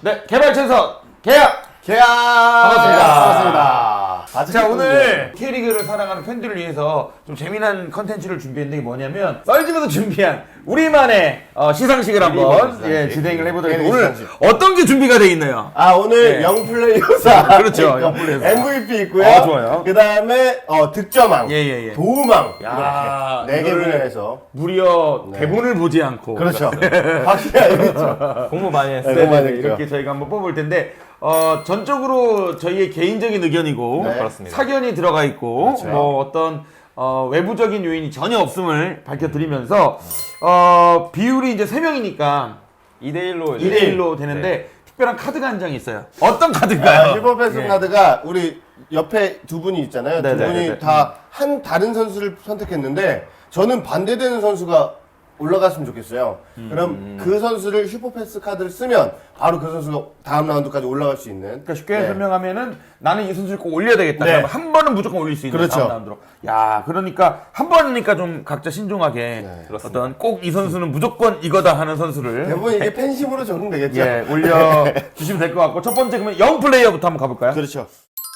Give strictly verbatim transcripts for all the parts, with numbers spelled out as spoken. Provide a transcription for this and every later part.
네, 개발천선 계약! 계약! 반갑습니다. 반갑습니다. 자, 오늘 K리그를 사랑하는 팬들을 위해서 좀 재미난 컨텐츠를 준비했는데, 이게 뭐냐면 썰집에서 준비한 우리만의 어, 시상식을 한번 시상식. 예, 진행을 해보도록 K리그 하겠습니다. 오늘 시상식. 어떤 게 준비가 되어 있나요? 아, 오늘 네. 영플레이어상. 그렇죠, 영플레이어상. 엠브이피 있고요. 아, 좋아요. 그 다음에, 어, 득점왕. 예, 예, 예. 도움왕. 야, 이렇게 네 개 이거를 분야에서. 무려 대본을 보지 않고. 그렇죠. 확실히 알겠죠. 공부 많이 했어요. 네, 공부 많이 네, 했죠. 이렇게 저희가 한번 뽑을 텐데, 어, 전적으로 저희의 개인적인 의견이고, 네. 그렇습니다. 사견이 들어가 있고, 그렇죠. 뭐 어떤 어, 외부적인 요인이 전혀 없음을 밝혀드리면서, 어, 비율이 이제 세 명이니까 이 대 일로 이 대 일로 되는데, 특별한 카드가 한 장이 있어요. 어떤 카드인가요? 슈퍼패스 예. 카드가 우리 옆에 두 분이 있잖아요. 두 네네. 분이 네네. 다 한 다른 선수를 선택했는데 저는 반대되는 선수가 올라갔으면 좋겠어요. 음. 그럼 그 선수를 슈퍼패스 카드를 쓰면 바로 그 선수가 다음 라운드까지 올라갈 수 있는. 그러니까 쉽게 네. 설명하면은 나는 이 선수를 꼭 올려야 되겠다. 네. 그러면 한 번은 무조건 올릴 수 있는 그렇죠. 다음 라운드로. 야, 그러니까 한 번이니까 좀 각자 신중하게 네. 그렇습니다. 어떤 꼭 이 선수는 무조건 이거다 하는 선수를 대부분 이게 팬심으로 적용되겠죠. 예, 올려 주시면 될 것 같고, 첫 번째 그러면 영 플레이어부터 한번 가볼까요? 그렇죠.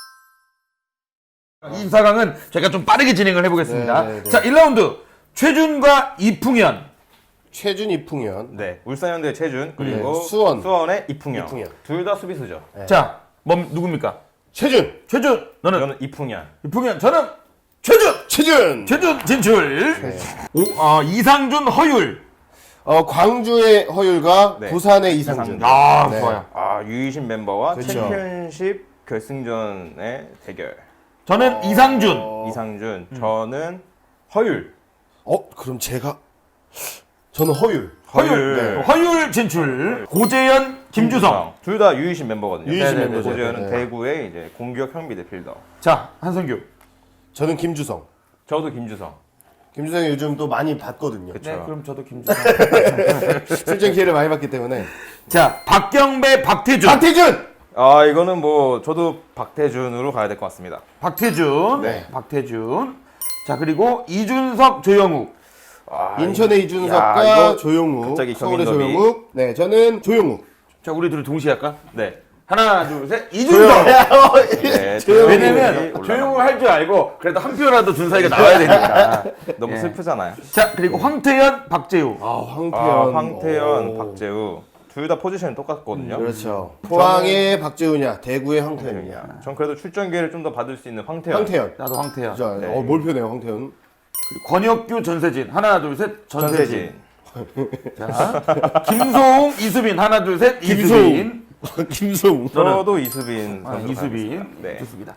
이사 강은 저희가 좀 빠르게 진행을 해보겠습니다. 네, 네, 네. 자, 일 라운드 최준과 이풍현. 최준 이풍현. 네, 울산현대 최준 그리고 네, 수원. 수원의 이풍현. 이풍현. 둘 다 수비수죠. 네. 자, 뭐 누굽니까? 최준. 최준, 너는 저는 이풍현. 이풍현, 저는 최준. 최준. 최준 진출. 네. 오, 어, 이상준 허율. 어 광주의 허율과 네. 부산의 이상준. 아, 네. 좋아요. 아, 유이신 멤버와 그렇죠. 챔피언십 결승전의 대결. 저는 이상준. 어. 이상준, 저는 허율. 어 그럼 제가 저는 허율. 허율. 네. 허율 진출. 고재현, 김주성. 둘 다 유이신 멤버거든요. 유이신 네네네. 멤버죠. 고재현은 네. 대구의 이제 공격 형비대 필더. 자, 한성규. 저는 김주성. 저도 김주성. 김주성이 요즘 또 많이 봤거든요. 그쵸. 네, 그럼 저도 김주성. 출전 기회를 많이 받기 때문에. 자, 박경배, 박태준. 박태준. 아, 이거는 뭐 저도 박태준으로 가야 될 것 같습니다. 박태준. 네. 박태준. 자, 그리고 이준석, 조영욱. 아, 인천의 야, 이준석과 이거 조용욱. 갑자기 서울의 경인더비. 조용욱. 네, 저는 조용욱. 자, 우리 둘이 동시에 할까? 네. 하나, 둘, 셋. 이준석. 네, 왜냐면 조용히 조용을 할 줄 알고 그래도 한 표라도 준 사이가 나와야 되니까. 너무 예. 슬프잖아요. 자, 그리고 황태현, 박재우. 아, 황태현. 아, 황태현, 오. 박재우 둘 다 포지션이 똑같거든요. 그렇죠. 포항의 박재우냐, 대구의 황태현이냐. 전 그래도 출전 기회를 좀 더 받을 수 있는 황태현. 황태현. 나도 황태현. 자, 네. 어, 몰표네요, 황태현. 그리고 권혁규, 전세진. 하나, 둘, 셋. 전세진. 전세진. 자, 김소웅, 이수빈. 하나, 둘, 셋. 이수빈. 김소웅. 저도 이수빈 아, 선수로 이수빈. 가겠습니다. 네. 좋습니다.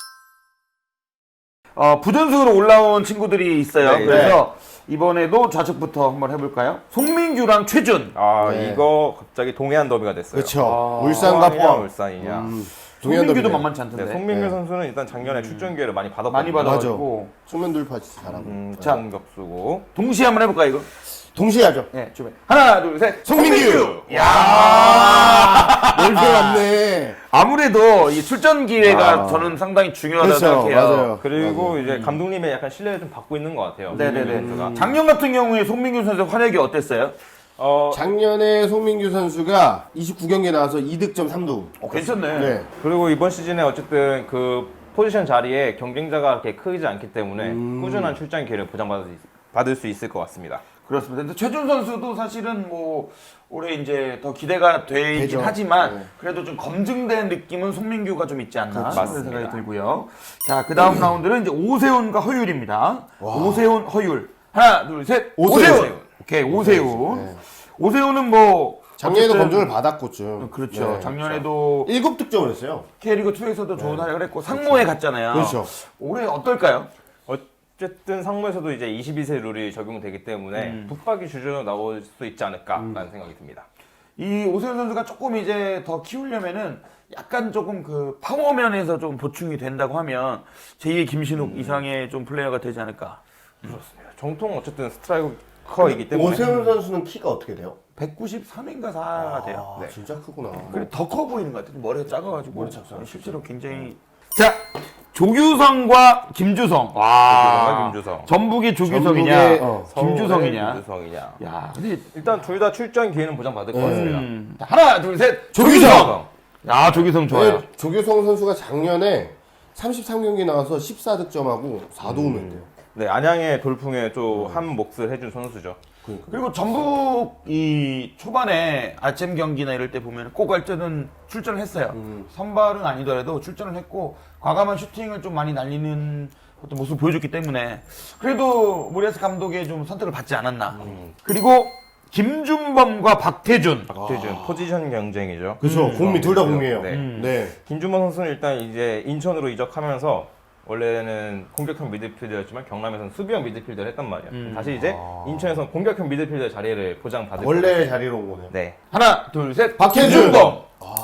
어, 부전승으로 올라온 친구들이 있어요. 네, 그래서 이번에도 좌측부터 한번 해볼까요? 송민규랑 최준. 아, 네. 이거 갑자기 동해안 더비가 됐어요. 그렇죠. 아, 울산과 포항이냐, 포항. 울산이냐. 음, 송민규도 동해안더비네. 만만치 않던데. 네, 송민규 네. 선수는 일단 작년에 출전 기회를 많이 받았거든요. 많이 받아가지고. 수면 돌파 잘하고. 음, 자. 공격수고. 동시에 한번 해볼까 이거? 동시에 하죠. 네, 준비. 하나, 둘, 셋. 송민규! 야 몰표 맞네. 아무래도 이 출전 기회가 아. 저는 상당히 중요하다고 그렇죠, 생각해요. 맞아요. 그리고 이제 감독님의 약간 신뢰를 좀 받고 있는 것 같아요. 네네네. 송민규 선수가. 작년 같은 경우에 송민규 선수의 활약이 어땠어요? 어, 작년에 송민규 선수가 이십구 경기에 나와서 이 득점 삼 도움. 어, 괜찮네. 네. 그리고 이번 시즌에 어쨌든 그 포지션 자리에 경쟁자가 그렇게 크지 않기 때문에 음. 꾸준한 출전 기회를 보장받을 수, 있, 받을 수 있을 것 같습니다. 그렇습니다. 근데 최준 선수도 사실은 뭐 올해 이제 더 기대가 되긴 되죠. 하지만 네. 그래도 좀 검증된 느낌은 송민규가 좀 있지 않나 그렇죠. 그런 맞습니다. 생각이 들고요. 자, 그 다음 라운드는 이제 오세훈과 허율입니다. 오세훈, 허율. 하나, 둘, 셋. 오세훈. 오세훈. 오케이, 오세훈. 네. 오세훈은 뭐 작년에도 어쨌든 검증을 받았고 좀. 그렇죠. 네. 작년에도 일곱 득점을 했어요. K리그 투에서도 좋은 활약을 했고 상무에 갔잖아요. 그렇죠. 올해 어떨까요? 어쨌든 상무에서도 이제 이십이 세 룰이 적용되기 때문에 음. 붙박이 주전으로 나올 수 있지 않을까라는 생각이 듭니다. 이 오세훈 선수가 조금 이제 더 키우려면은 약간 조금 그 파워면에서 좀 보충이 된다고 하면 제이의 김신욱 이상의 좀 플레이어가 되지 않을까. 그렇습니다. 정통 어쨌든 스트라이커이기 때문에 오세훈 선수는 키가 어떻게 돼요? 백구십삼인가 사가 돼요. 아, 진짜 크구나. 그리고 더 커 보이는 것 같아요. 머리가 작아가지고. 머리 작아. 실제로 굉장히. 자, 조규성과 김주성. 와. 조규성과 김주성. 전북이 조규성이냐, 전북의, 어, 김주성이냐. 김주성이냐. 야, 근데 일단 둘 다 출전 기회는 보장받을 것 같습니다. 음, 자, 하나, 둘, 셋. 조규성! 야, 조규성 좋아요. 네, 조규성 선수가 작년에 삼십삼 경기 나와서 십사 득점하고 사 도움했대요. 네, 안양의 돌풍에 좀 한 몫을 해준 선수죠. 그리고 전북 이 초반에 아침 경기나 이럴 때 보면 꼭 할 때는 출전을 했어요. 음. 선발은 아니더라도 출전을 했고 과감한 슈팅을 좀 많이 날리는 어떤 모습을 보여줬기 때문에 그래도 모리아스 감독의 좀 선택을 받지 않았나. 음. 그리고 김준범과 박태준. 박태준 포지션 경쟁이죠. 그렇죠. 공미 둘 다 공미예요. 네. 음. 네. 김준범 선수는 일단 이제 인천으로 이적하면서 원래는 공격형 미드필더였지만 경남에서는 수비형 미드필더를 했단 말이야. 음. 다시 이제 인천에서는 공격형 미드필더 자리를 보장받을 원래 거예요. 자리로 온 거네요. 네. 하나, 둘, 셋. 박태준! 김준범.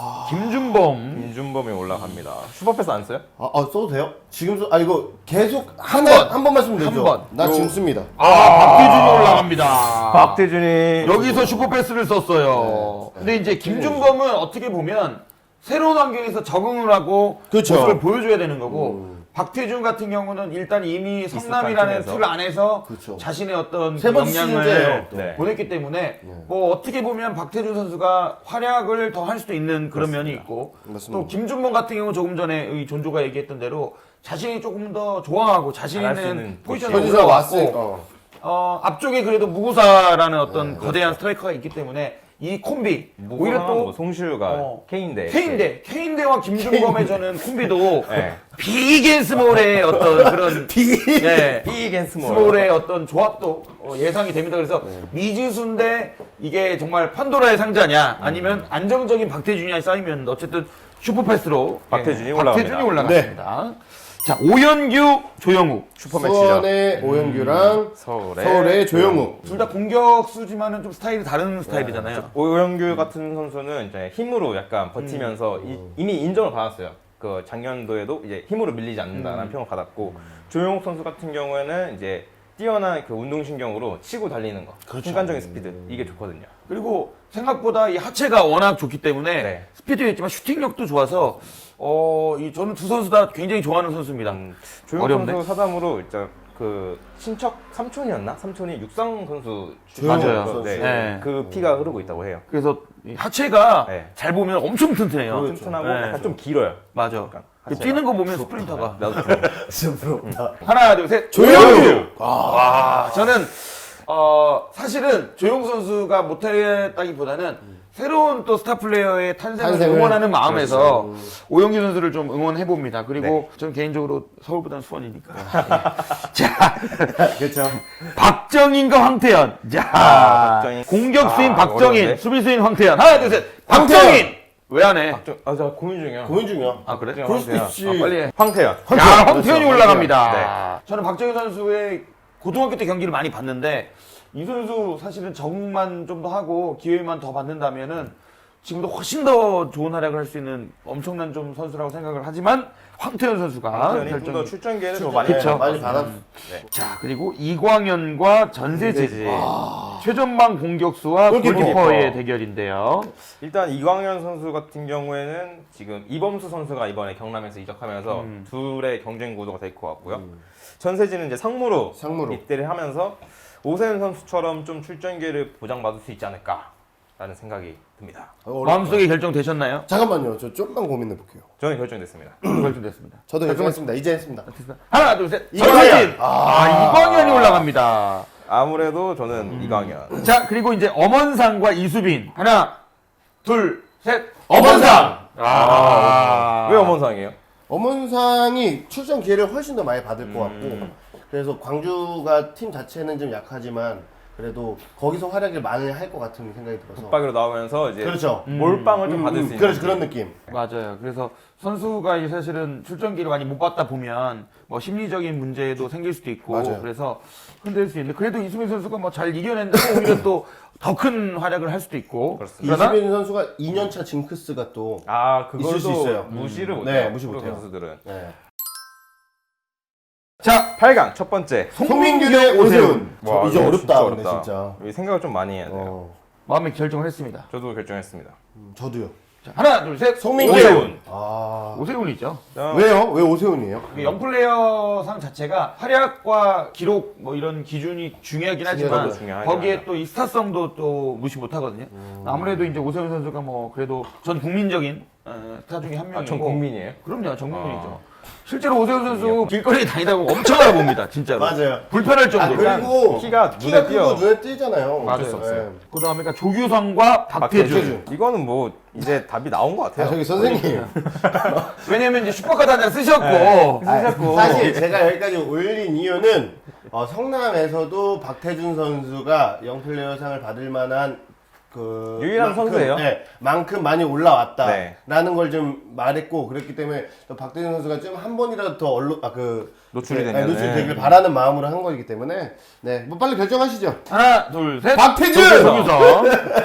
김준범. 김준범이 올라갑니다. 슈퍼패스 안 써요? 아, 아 써도 돼요? 지금 써, 아 이거 계속 한 번. 번, 한 번만 쓰면 되죠? 한 번. 나 요- 지금 씁니다. 아, 박태준이 올라갑니다. 박태준이 여기서 슈퍼패스를 썼어요. 근데 이제 김준범은 어떻게 보면 새로운 환경에서 적응을 하고 그렇죠. 모습을 보여줘야 되는 거고 박태준 같은 경우는 일단 이미 성남이라는 팀에서. 틀 안에서 그렇죠. 자신의 어떤 세 그 번째 역량을 시즌제예요. 네. 보냈기 때문에 뭐 어떻게 보면 박태준 선수가 활약을 더 할 수도 있는 그런 면이 있고 맞습니다. 또 김준범 같은 경우 조금 전에 의 존조가 얘기했던 대로 자신이 조금 더 좋아하고 자신 잘할 수 있는 있는 포지션에 포지션 올라왔고 왔으니까. 어. 어, 앞쪽에 그래도 무구사라는 어떤 거대한 스트라이커가 있기 때문에 이 콤비 오히려 또 뭐 송시우가 어, 케인데 케인대 케인대와 김준범의 저는 콤비도 네. 비겐 스몰의 어떤 그런 네, 비겐 스몰 스몰의 어떤 조합도 어, 예상이 됩니다. 그래서 미지수인데 이게 정말 판도라의 상자냐 아니면 안정적인 박태준이 쌓이면 어쨌든 슈퍼패스로 박태준이 예, 올라갑니다. 박태준이 올라갔습니다. 자 오연규 조영욱 슈퍼매치죠. 수원의 오영규랑 서울의, 서울의 조영욱. 둘 다 공격수지만은 좀 스타일이 다른 스타일이잖아요. 오영규 같은 선수는 이제 힘으로 약간 버티면서 이, 이미 인정을 받았어요. 그 작년도에도 이제 힘으로 밀리지 않는다라는 평을 받았고 조용욱 선수 같은 경우에는 이제 뛰어난 그 운동신경으로 치고 달리는 거, 순간적인 스피드 이게 좋거든요. 그리고 생각보다 이 하체가 워낙 좋기 때문에 네. 스피드도 있지만 슈팅력도 좋아서 어, 이 저는 두 선수 다 굉장히 좋아하는 선수입니다. 음, 조용욱 어려운데? 선수 사담으로 일단 그 친척 삼촌이었나? 삼촌이 육상 선수 조용욱 맞아요. 선수. 네, 네. 그 피가 흐르고 있다고 해요. 그래서 이 하체가 네. 잘 보면 엄청 튼튼해요. 그렇죠. 튼튼하고 네. 약간 좀 길어요. 맞아. 약간 그 하체가. 뛰는 거 보면 스프린터가. 나도 좀 진짜 부럽다. 하나, 둘, 셋. 조영규! 와, 저는 어, 사실은 조용 선수가 못했다기보다는 새로운 또 스타 플레이어의 탄생을, 탄생을? 응원하는 마음에서 그렇죠. 오영규 선수를 좀 응원해 봅니다. 그리고 네. 저는 개인적으로 서울보다는 수원이니까. 자, 그렇죠. 박정인과 황태현. 자, 아, 박정인. 공격수인 아, 박정인, 어려운데? 수비수인 황태현. 하나, 둘, 셋. 황태현! 박정인. 왜 안 해? 좀, 아, 저 고민 중이야. 고민 중이야. 아 그래? 그럴 수도 있지. 아, 빨리 해. 황태현. 야, 황태현이 그렇죠. 올라갑니다. 저는 박정희 선수의 고등학교 때 경기를 많이 봤는데 이 선수 사실은 적응만 좀 더 하고 기회만 더 받는다면은 지금도 훨씬 더 좋은 활약을 할 수 있는 엄청난 좀 선수라고 생각을 하지만 황태현 선수가 황태현이 좀 더 결정. 출전 기회를 더 출전, 많이 네, 그쵸. 많이 받았. 자 그리고 이광현과 전세지 전세지. 최전방 공격수와 골키퍼. 골키퍼의 대결인데요. 일단 이광현 선수 같은 경우에는 지금 이범수 선수가 이번에 경남에서 이적하면서 음. 둘의 경쟁 구도가 될 것 같고요. 전세진은 이제 상무로, 상무로. 입대를 하면서 오세훈 선수처럼 좀 출전 기회를 보장받을 수 있지 않을까라는 생각이 듭니다. 어렵다. 마음속에 결정되셨나요? 잠깐만요. 저 좀만 고민해 볼게요. 저는 결정됐습니다. 결정됐습니다. 저도 결정했습니다. 이제 했습니다. 하나 둘 셋. 이광현! 전세진. 아, 이광현이 올라갑니다. 아무래도 저는 음. 이광현. 자 그리고 이제 엄원상과 이수빈 하나 둘 셋 엄원상! 아, 왜 엄원상이에요? 엄원상이 출전 기회를 훨씬 더 많이 받을 것 같고 음. 그래서 광주가 팀 자체는 좀 약하지만 그래도 거기서 활약을 많이 할 것 같은 생각이 들어서 붙박이로 나오면서 이제 그렇죠. 몰빵을 좀 음, 받을 음, 수 있는 그렇죠. 그런 느낌. 맞아요. 그래서 선수가 이 사실은 출전기를 많이 못 받다 보면 뭐 심리적인 문제도 생길 수도 있고 맞아요. 그래서 흔들 수 있는데 그래도 이수빈 선수가 뭐 잘 이겨낸다고 오히려 또 더 큰 활약을 할 수도 있고 그렇습니다. 그러나 이수빈 선수가 이 년차 징크스가 또 아 있을 수 그걸도 있어요. 무시를 음. 못해요. 네, 무시 프로 못해요. 선수들은. 네. 자 팔 강 첫 번째. 송민규 대 오세훈. 와, 저 이제 이거 어렵다. 진짜 근데 진짜. 이 생각을 좀 많이 해야 돼요. 어, 마음의 결정을 했습니다. 저도 결정했습니다. 음, 저도요. 자, 하나, 둘, 셋. 송민규. 오세훈. 아. 오세훈이죠. 왜요? 왜 오세훈이에요? 영플레이어상 자체가 활약과 기록 뭐 이런 기준이 중요하긴 하지만 중요하긴 거기에 하죠. 또 이 스타성도 또 무시 못하거든요. 아무래도 이제 오세훈 선수가 뭐 그래도 전 국민적인 어, 스타 중에 한 명이고. 아, 전 국민이에요? 그럼요, 전 국민이죠. 실제로 오세훈 선수 길거리에 다니다 보면 엄청 알아봅니다, 진짜로. 맞아요. 불편할 아, 정도로. 그리고 키가 눈에 키가 띄어. 크고 눈에 띄잖아요. 맞아요. 어쩔 수 없어요. 그 다음에 그러니까 조규성과 박태준. 박태준. 이거는 뭐 이제 답이 나온 것 아, 같아요. 저기 선생님. 왜냐면 이제 슈퍼카드 한 장 쓰셨고. 네. 아, 사실 제가 여기까지 올린 이유는 어, 성남에서도 박태준 선수가 영플레이어상을 받을 만한 그 유일한 만큼, 선수예요? 네, 만큼 많이 올라왔다라는 네. 걸 좀 말했고 그랬기 때문에 또 박태준 선수가 좀 한 번이라도 더 언론 아그 노출이 네, 되면은. 노출이 되길 바라는 마음으로 한 거기 때문에 네, 뭐 빨리 결정하시죠. 하나, 둘, 셋. 박태준! 조규성.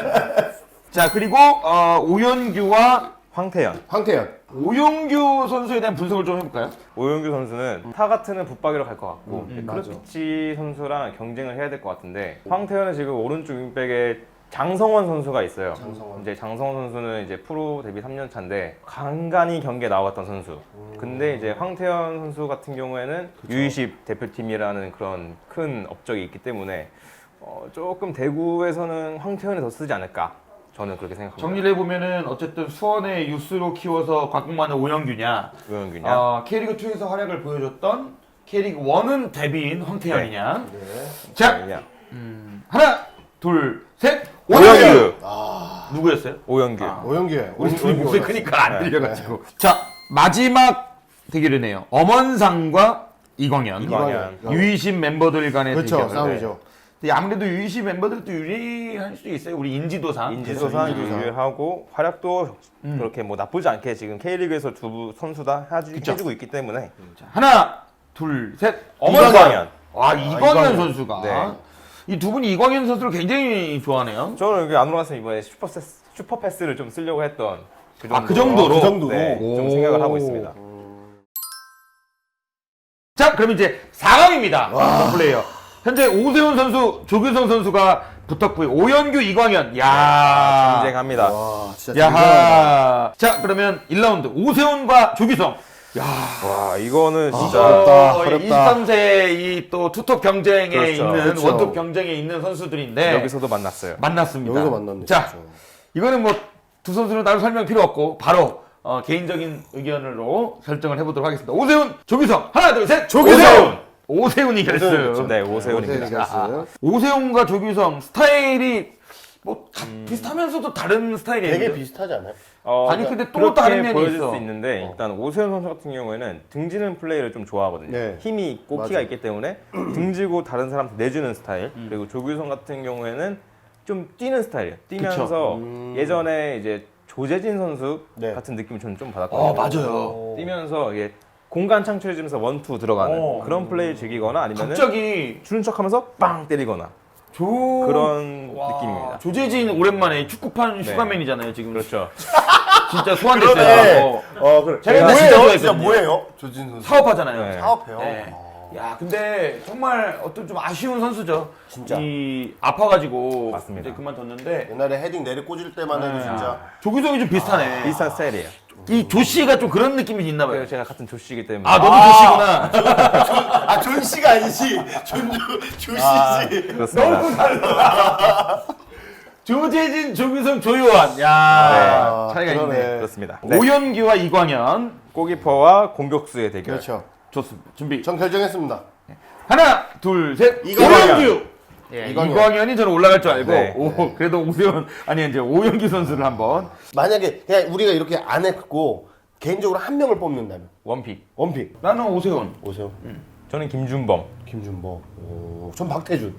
자, 그리고 어, 오연규와 황태현. 황태현. 오용규 선수에 대한 분석을 좀 해볼까요? 오영규 선수는 타 같으면 붙박이로 갈 것 같고 음, 크루피치 선수랑 경쟁을 해야 될 것 같은데 황태현은 지금 오른쪽 윙백에 장성원 선수가 있어요. 장성원. 이제 장성원 선수는 이제 프로 데뷔 삼 년 차인데 간간히 경기에 나왔던 선수. 근데 이제 황태현 선수 같은 경우에는 유이십 대표팀이라는 그런 큰 업적이 있기 때문에 어, 조금 대구에서는 황태현이 더 쓰지 않을까. 저는 그렇게 생각합니다. 정리를 해보면은 어쨌든 수원의 유스로 키워서 곽공만의 오영규냐, 오영규냐? 어, K리그이에서 활약을 보여줬던 K리그일은 데뷔인 황태현이냐. 네. 자, 오영규냐? 하나, 둘, 셋. 오영규! 아, 누구였어요? 오영규. 아. 오영규. 우리 둘이 목소리 크니까 안 네. 들려가지고. 자, 마지막 대결이네요. 엄원상과 이광현. 이광현. 유이십 멤버들 간의 그렇죠, 대결. 싸움이죠. 근데 아무래도 유이십 멤버들도 유리할 수도 있어요. 우리 인지도상. 인지도상 인지도상. 유리하고 활약도 음. 그렇게 뭐 나쁘지 않게 지금 K리그에서 두 선수 다 해주, 해주고 있기 때문에 자, 하나, 둘, 셋. 이광현. 와, 이광현, 이광현. 선수가. 네. 이 두 분이 이광현 선수를 굉장히 좋아하네요. 저는 여기 안으로 갔으면 이번에 슈퍼, 패스, 슈퍼 패스를 좀 쓰려고 했던 그 정도, 아, 그 정도로? 그 정도로? 네, 좀 오. 생각을 하고 있습니다. 자, 그럼 이제 사 강입니다. 플레이어. 현재 오세훈 선수, 조규성 선수가 붙었고요. 오연규, 이광현. 야 경쟁합니다. 와, 진짜 대단하다. 야하. 자, 그러면 일 라운드 오세훈과 조규성. 와 이거는 진짜 어렵다, 어, 어렵다. 이십삼 세 이 또 투톱 경쟁에 그렇죠. 있는 그렇죠. 원톱 경쟁에 있는 선수들인데 여기서도 만났어요. 만났습니다. 여기서 만났네. 자, 진짜. 이거는 뭐 두 선수는 따로 설명 필요 없고 바로 어, 개인적인 의견으로 결정을 해보도록 하겠습니다. 오세훈, 조규성. 하나, 둘, 셋. 조규성! 오세훈이 결승. 오세훈, 네 오세훈입니다. 오세훈이 결승. 오세훈과 조규성 스타일이 뭐 다 비슷하면서도 다른 스타일이에요. 되게 그죠? 비슷하지 않아요? 어, 아니, 근데 또 그렇게 다른 면이 보여질 있어. 수 있는데 일단 오세훈 선수 같은 경우에는 등지는 플레이를 좀 좋아하거든요. 네. 힘이 있고 맞아. 키가 있기 때문에 등지고 다른 사람한테 내주는 스타일. 음. 그리고 조규성 같은 경우에는 좀 뛰는 스타일이에요. 뛰면서 그쵸. 음. 예전에 이제 조재진 선수 네. 같은 느낌을 저는 좀 받았거든요. 어, 맞아요. 뛰면서 이게 공간 창출해주면서 원투 들어가는 어. 그런 플레이 즐기거나 아니면 갑자기 주는 척하면서 빵 때리거나 조 그런 와, 느낌입니다. 조재진 오랜만에 축구판 네. 슈가맨이잖아요 지금. 그렇죠. 진짜 소환됐어요. 그러네. 어, 어, 그래. 제가 뭐예요? 진짜 좋아했거든요. 진짜 뭐예요? 조진 선수. 사업하잖아요. 네. 사업해요. 네. 야, 근데 정말 어떤 좀 아쉬운 선수죠. 진짜. 이 아파가지고 맞습니다. 이제 그만뒀는데 옛날에 헤딩 내리 꽂을 때만 해도 네. 진짜. 조규성이 좀 비슷하네. 비슷한 스타일이에요. 이 조씨가 좀 그런 느낌이 있나 봐요. 그리고 제가 같은 조씨이기 때문에 아, 너도 아. 조씨구나. 아, 존 씨가 아니지. 존, 조씨지. 아, 그렇습니다. 너무 달라. 조재진, 조규성, 조요한. 야, 아, 차이가 그러네. 있네. 그렇습니다. 네. 오연규와 이광현. 골키퍼와 공격수의 대결. 그렇죠. 좋습니다. 준비. 전 결정했습니다. 하나, 둘, 셋. 이광현. 오연규. 예, 이광현. 이광현이 저는 올라갈 줄 알고, 네. 오, 그래도 오세훈, 아니, 이제 오연규 선수를 한번. 만약에 그냥 우리가 이렇게 안 했고 개인적으로 한 명을 뽑는다면 원픽. 원픽 나는 오세훈. 오세요. 저는 김준범. 김준범. 오, 전 박태준.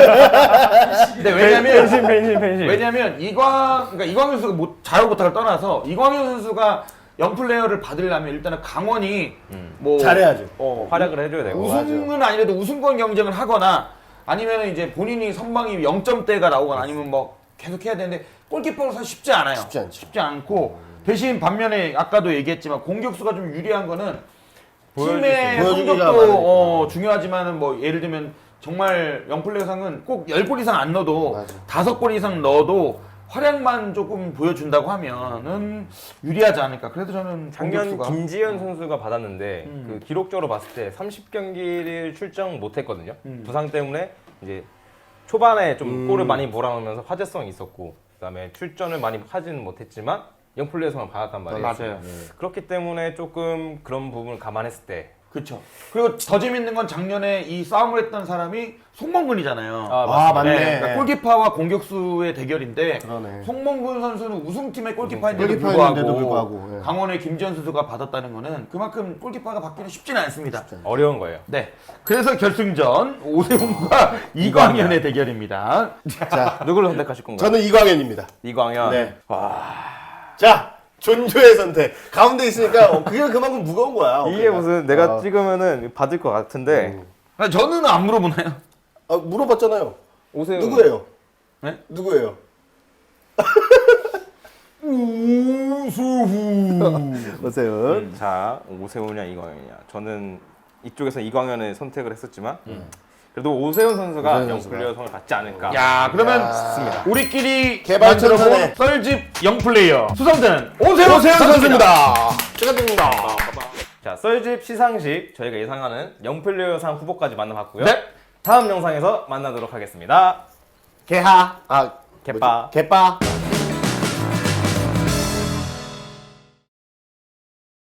근데 왜냐면, 펜신 펜신 펜신. 왜냐면 이광, 그러니까 이광현 선수가 못, 잘하고 못하를 떠나서 이광현 선수가 영플레이어를 받으려면 일단은 강원이 뭐 잘해야죠. 어, 활약을 해줘야 되고. 우승은 아니라도 우승권 경쟁을 하거나 아니면 이제 본인이 선방이 영 점대가 나오거나 아니면 뭐 계속 해야 되는데 골키퍼는 사실 쉽지 않아요. 쉽지 않죠. 쉽지 않고 대신 반면에 아까도 얘기했지만 공격수가 좀 유리한 거는 팀의 보여주기가 성적도 많으니까. 어, 중요하지만은 뭐 예를 들면 정말 영플레이어상은 꼭 십 골 이상 안 넣어도 맞아. 다섯 골 이상 넣어도 활약만 조금 보여준다고 하면은 유리하지 않을까. 그래도 저는 작년 공격수가 김지현 선수가 받았는데 음. 그 기록적으로 봤을 때 삼십 경기를 출정 못했거든요. 음. 부상 때문에 이제 초반에 좀 음. 골을 많이 몰아넣으면서 화제성이 있었고 그다음에 출전을 많이 하지는 못했지만 영플레이어상을 받았단 말이에요. 맞아요. 그렇기 때문에 조금 그런 부분을 감안했을 때 그렇죠. 그리고 더 재밌는 건 작년에 이 싸움을 했던 사람이 송범근이잖아요. 아, 아, 맞네. 네, 그러니까 골키퍼와 공격수의 대결인데 그러네. 송범근 선수는 우승팀의 골키퍼인데도 골키퍼였는데도 불구하고, 불구하고, 예. 강원의 김지현 선수가 받았다는 거는 그만큼 골키퍼가 받기는 쉽지는 않습니다. 어려운 거예요. 네. 그래서 결승전 오세훈과 이광현의 대결입니다. 자, 누구를 선택하실 건가요? 저는 이광현입니다. 이광현. 네. 자, 존조의 선택. 가운데 있으니까 어, 그게 그만큼 무거운 거야. 이게 어깨가. 무슨 내가 어. 찍으면은 받을 것 같은데 아, 저는 안 물어보나요? 아, 물어봤잖아요. 오세훈 누구예요? 네? 누구예요? 우수후. 오세훈. 자 오세훈이냐 이광현이냐 저는 이쪽에서 이광현을 선택을 했었지만 그래도 오세훈 선수가 오세훈 선수가. 영플레이어상을 받지 않을까. 야, 그러면 야. 우리끼리 개발 만들어본 천선에. 썰집 영플레이어 수상자는 오세훈, 오세훈 선수입니다. 축하드립니다. 자 썰집 시상식 저희가 예상하는 영플레이어상 후보까지 만나봤고요. 네. 다음 영상에서 만나도록 하겠습니다. 개하. 아, 개빠. 뭐지? 개빠.